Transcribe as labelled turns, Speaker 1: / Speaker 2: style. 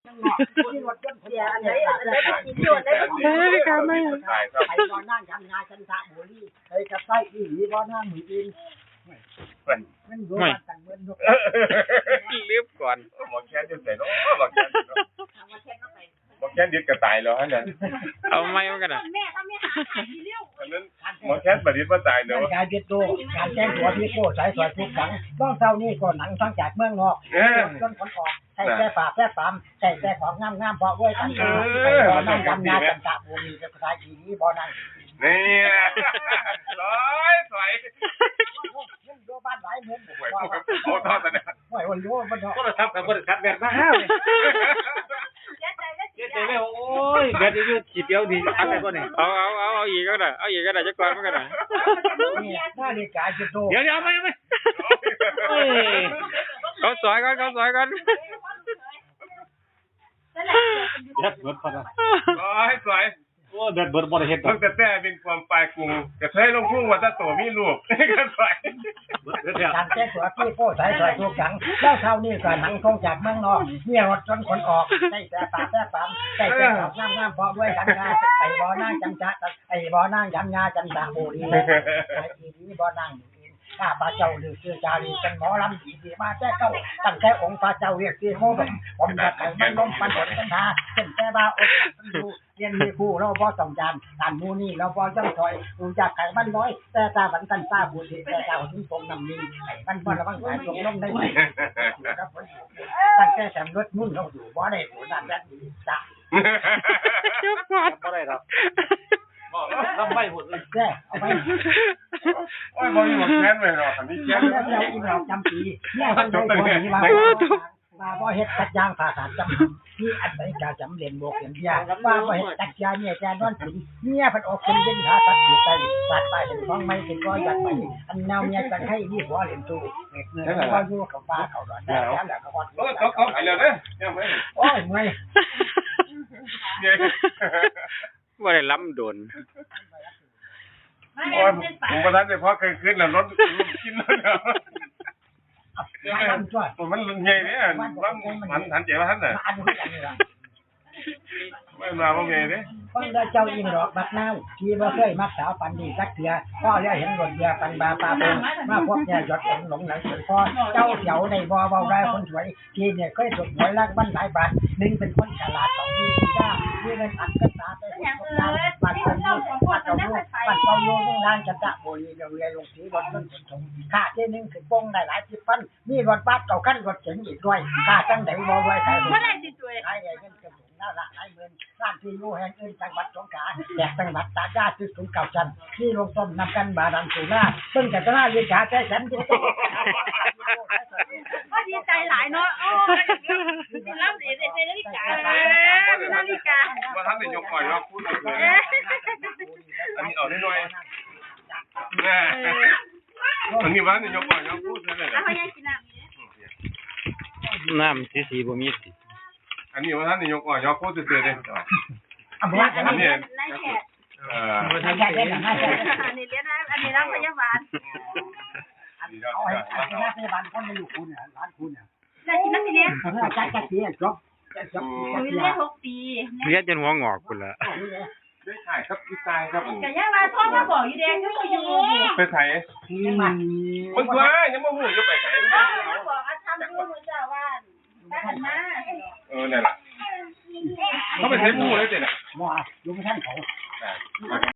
Speaker 1: ที่รถยนต์เสียอันไหนกินอยู่ได้ก็กิน
Speaker 2: ได้ครับไม่
Speaker 1: ไปบ่อนั่งทำงานจันทบุรีไปกับไส้อีหลีบ่อนั่งหมูอินมันดูว่าต่างเมืองดู
Speaker 2: เรียบก่อน
Speaker 3: บอกแค่จะใส่เนาะบอกแค่บอกแค่ยึดกระต่ายแล้วฮะนั่น
Speaker 2: เอาไม่เอากันอ่ะ
Speaker 1: แม่ถ้าไม่หาขายทีเดียว
Speaker 3: อันนั้นบอกแค่บัดนี้ว่าตายเนาะ
Speaker 1: การยึดดูการแจ้งตัวที่โก้สายสวยทุกครั้งต้องเท่านี้ก่อนหนังทั้งจากเมืองนอกจนคนออกใส่แก่ปากแก่ปามใส่แก่ของงามเพราะด้วยกันไปบ่อนั่งทำงานจันทบุรีจะกระจายทีนี้บ่อนั่ง
Speaker 3: นี่สวย
Speaker 1: โยบ้านหลายเมือง
Speaker 3: โอ้ทอดแต่เนี่ย
Speaker 1: โอ้ยวันโยมัน
Speaker 4: ก็เลยทับกับคนทับแบบมาห้าวเลยเจ๊เลยโอ้ยแบบนี้อยู่ขีดเดียวดีทับแบบนี้
Speaker 2: เอาอีกก็ได้เอาอีกก็ได้จะกวนมันก็ได้
Speaker 1: นาฬิกาจะโต
Speaker 4: เดี๋ยวไม่
Speaker 2: เขาสวยกันเ
Speaker 4: ด็ดเบิร์ดคนละ
Speaker 3: สวย
Speaker 4: โอ้เด็ดเบิร์ดบริเห็น
Speaker 3: ตั้งแต่เป็นความปลายกรุงกระเทยลงพุ่งว่าถ้าตัวมีลูกก็สวย
Speaker 1: การแก้ตัวที่โก้สายสวยทุกครั้งแล้วเท่านี้ก็หนังคงจากเมืองนอกเนี่ยรถจนคนออกใส่แต่ปากแต่ปั๊มใส่แต่ของงามเพราะด้วยกันงาไอ้บ่อนั่งจันทร์ไอ้บ่อนั่งจันงาจันทบุรีไอ้ทีนี้บ่อนั่งข้าพระเจ้าหรือชื่อจารีเป็นหมอลำดีมาแต่เก้าตั้งแต่องค์พระเจ้าเรียกที่โมดผมจะไข่มันล้มปันผลกันทาเป็นแต่ว่าอกมันดูเรียนมีคู่เราพอต้องการการมูนี่เราพอจังถอยดูจากไข่มันน้อยแต่ตาบันกันตาบุตรแต่ตาถึงตรงนำนี้ไข่มันบ่ระวังสายตรงลงได้ไหมตั้งแต่แสมรถมุ่นเราอยู่บ่ได้ผลนั่นแบบนี้จ้ะ
Speaker 4: บ่ได้ครับลำใบหมดเลย
Speaker 1: แก่เอาไป
Speaker 3: โอ้ยบอลบอกแค้นเลยหรออันนี้แค้น
Speaker 1: แล้วอีเราจำปีเนี่ยมันได้ตัวนี้มาบ่เฮ็ดตัดยางผ่าขาดจำนี่อันไหนจะจำเรียนโบกเรียนยาว่าบ่เฮ็ดตัดยาเนี่ยแกนอนถึงเนี่ยเพิ่นออกเป็นเย็นหาตัดอยู่ใต้ตัดไปเห็นของไม่เห็นก็อยากไปอันแนวเมียจังให้นี่หัวเรียนตู้เงินก็อยู่กับฟ้าเขาดอนได้แล้วก็ฮอด
Speaker 3: เขาไปแล้วเด้อยังไม่
Speaker 1: โอ้ยเมื่อย
Speaker 2: ว่าได้ล้ำโดน
Speaker 3: โอ้ยผมประทับใจเพราะเคยขึ้นแล้วรถกินแล้วมันใหญ่เนี่ยมันทันเจ๋อท่านน่ะไม่มาว่าไงเนี่ย
Speaker 1: ฟังได้เจ้าอินดอกบักนาวที่บ่เคยมักสาวปันดีสักเถื่อพ่อแล้วเห็นรถเรือปันบาปาปงมาพวกเนี่ยหยดหลงไหลพ่อเจ้าเถียวในบ่เบาได้คนสวยที่เนี่ยเคยถูกหวยลักบ้านหลายบาทนึงเป็นคนฉลาด2มีด้ามีเงินอัดกันตาไปบ้านเจ้าโยงร้านจันทบุรีเรือลงสีรถต้นสมค่าที่นึงคือปงได้หลายสิบพันมีรถบัสเก่าขั้นรถเก๋งอีกด้วยค่าจังได๋บ่ไว้ใส่บ่ได้สิช่วยหลายเงินกระปุกน่ารักหลายหมื่นร้านที่อยู่แห่งอื่นจังหวัดสงขลาแจกจังหวัดตากญาติที่สูงเก่าจันที่ลงต้มนำกันบาดันสู่หน้าเพิ่นกันหน้าวิชาแต่ฉันที่
Speaker 5: ก็ดีใจหลายเนาะโอ้ยรับเสียใจนาฬิกานาฬิกา
Speaker 3: ว่าท่านนายกก่อนว่าพูดเลยอันนี้เอาได้หน่อยอันนี้ว่าท่านนายกก่อนว่าพูดเลย
Speaker 2: น้ำสีบ่มีสิ
Speaker 3: อันนี้ว่าท่านนายกก่อนว่าพูดเตือนเลย
Speaker 1: อันนี้
Speaker 5: อันนี้เรียนอันนี้รับพยาบาล
Speaker 1: เอาให้นักพยาบาลคนมาอยู่คุณเนี่ยร้านคุณเนี่ย
Speaker 5: ได้กินนักเรียน
Speaker 1: จักเสียจบ
Speaker 5: เรียน6 ปี
Speaker 2: เรียนจนหัวงอกคุณละ
Speaker 3: ได้ถ่ายครับพี่ตายครับ
Speaker 5: แต่ยังมาพ่อมาบอกอยู่แดงก็อยู่
Speaker 3: ไปถ่ายมันตัวยังไม่หูจะไปถ่าย
Speaker 5: บอกทำดูมือเจ้าว่านได้หันมา
Speaker 3: นั่นแหละเขาไปใช้หูเลยเจ๊น่ะ
Speaker 1: ว่าอยู่ไม่ทันเขา